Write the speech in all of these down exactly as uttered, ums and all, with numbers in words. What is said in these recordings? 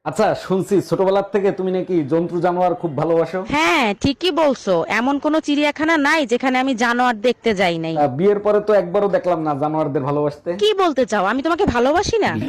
আচ্ছা, শুনছি ছোটবেলার থেকে তুমি নাকি জন্তু জানোয়ার খুব ভালোবাসো। হ্যাঁ ঠিকই বলছো, এমন কোনো চিড়িয়াখানা নাই যেখানে আমি জানোয়ার দেখতে যাই নাই। আহ, বিয়ের পরে তো একবারও দেখলাম না জানোয়ারদের ভালোবাসতে। কি বলতে চাও, আমি তোমাকে ভালোবাসি না?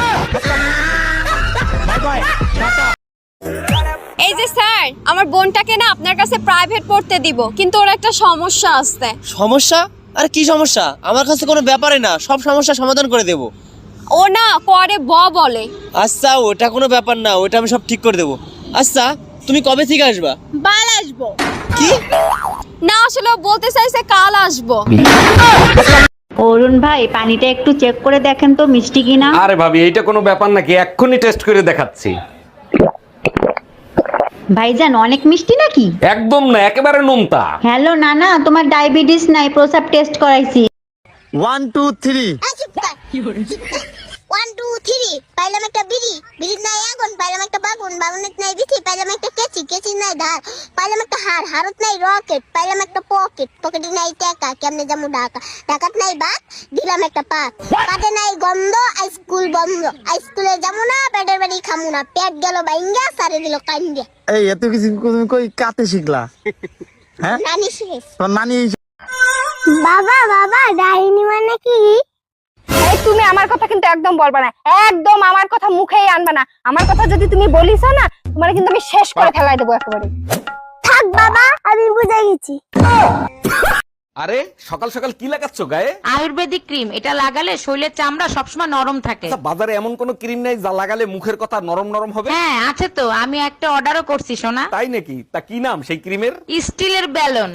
এই যে স্যার, আমার বোনটাকে না আপনার কাছে প্রাইভেট পড়তে দিব, কিন্তু ওর একটা সমস্যা আছে। সমস্যা? আর কি সমস্যা? আমার কাছে কোনো ব্যাপারে না, সব সমস্যা সমাধান করে দেব। ও না করে ব বলে। আচ্ছা, ওটা কোনো ব্যাপার না, ওটা আমি সব ঠিক করে দেব। আচ্ছা, তুমি কবে থেকে আসবা? বাল আসবো। কি? না আসলে ও বলতে চাইছে কাল আসবো। অরুণ ভাই, পানিটা একটু চেক করে দেখেন তো মিষ্টি কিনা। আরে ভাবি, এইটা কোনো ব্যাপার নাকি? এক্ষুনি টেস্ট করে দেখাচ্ছি। ভাইজান, অনেক মিষ্টি নাকি? একদম না, একেবারে নোনতা। হ্যালো নানা, তোমার ডায়াবেটিস নাই, প্রসাব টেস্ট করাইছি। One two three. One two three পাইলাম একটা বিড়ি, বিড়ির নাই আগুন, পাইলাম একটা বাগুন, বাগুনের নাই বিথি, পাইলাম একটা কেচি, কেচির নাই ধার, পাইলাম একটা হার, হারত নাই রকেট, পাইলাম একটা পকেট, পকেটে নাই টাকা, কেমনে যাবো ঢাকা, ঢাকাত নাই বাত, দিলাম একটা পাত, পাতে নাই গন্ধ, স্কুল বন্ধ, স্কুলে যাবো না, পেটের বাড়ি খামু না, পেট গেল বাইঙ্গা, সারে দিল কান্দিয়া। এই এত কিছু তুমি কই কাতে শিখলা? হ্যাঁ, নানি শেষ। তোর নানি বাবা বাবা ডাইনি মানে কি? এই তুমি আমার কথা কিন্তু একদম বলবা না, একদম আমার কথা মুখেই আনবা না। আমার কথা যদি তুমি বলিস না, তোমার কিন্তু আমি শেষ করে ফেলাই দেবো একেবারে। থাক বাবা, আমি বুঝে গেছি। আরে সকাল সকাল কি লাগাচ্ছ গায়ে? আয়ুর্বেদিক ক্রিম, এটা লাগালে শরীরের চামড়া সবসময় নরম থাকে। আচ্ছা, বাজারে এমন কোনো ক্রিম নাই যা লাগালে মুখের কথা নরম নরম হবে? হ্যাঁ আছে তো, আমি একটা অর্ডারও করছি সোনা। তাই নাকি? তা কি নাম সেই ক্রিমের? স্টিলের ব্যালন।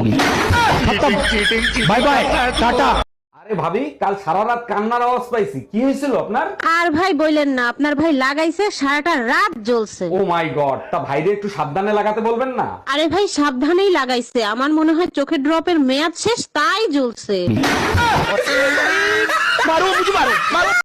Bye bye, tata. আরে ভাবি, কাল সারা রাত কান্নার আওয়াজ পাইছি, কি হয়েছিল আপনার? আর ভাই বললেন না, আপনার ভাই লাগাইছে সারাটা রাত জ্বলছে। ও মাই গড, তা ভাইরে একটু সাবধানে লাগাতে বলবেন না? আরে ভাই সাবধানেই লাগাইছে, আমার মনে হয় চোখের ড্রপের মেয়াদ শেষ, তাই জ্বলছে।